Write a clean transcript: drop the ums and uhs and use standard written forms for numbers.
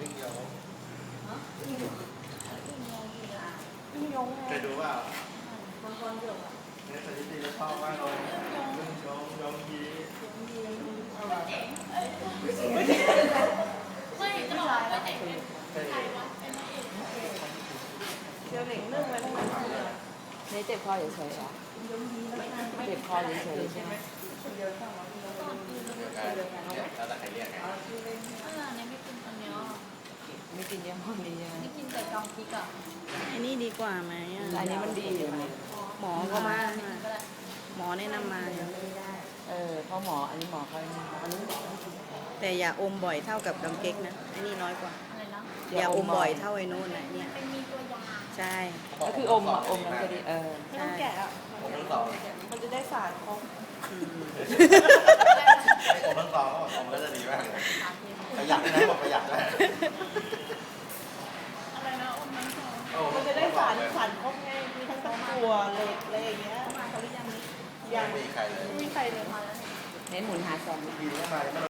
อิงยงอิงยงเคยดูว่ามังกรหยกเนี่ยสถิติจะชอบมากเลยอิงยงยงยีไม่จะบอกว่าเด็กเคยเชียวเหล่งเรื่องไว้ทั้งนั้นเลยนี่เจ็บคอเฉยๆเหรอเจ็บคอเฉยๆใช่ไหมเดียวกันเดียวกันเนี่ยแล้วแต่ใครเรียกไงเนี่ยไม่กินอันเนี้ยไม่กินยี่ห้อนี้ใช่ไหมไม่กินแต่กองพริกอ่ะอันนี้ดีกว่าไหมอ่ะอันนี้มันดีอยู่นี่หมอก็มาก็ได้หมอแนะนำมาเพราะหมออันนี้หมอเขาอันนี้แต่อย่าอมบ่อยเท่ากับดำเก๊กนะอันนี้น้อยกว่าอะไรนะอย่าอมบ่อยเท่าไอ้นู้นนะเนี่ยเป็นมีตัวยาใช่ก็คืออมอ่ะอมมันก็ดีไม่ต้องแกะอ่ะผมทั้งสองมันจะได้สารครบผมทั้งสองผมก็จะดีมากเลยประหยัดนะบอกประหยัดนะอะไรนะอมน้ำซอมันจะได้สารครบไงมีทั้งตะกั่วเหล็กอะไรอย่างเงี้ยมาเขาหรือยังนี้ยังไม่มีใครเลยไม่มีใครเลยมาแล้วเนี่ยเน้นหมุนหาแซมดีเข้ามา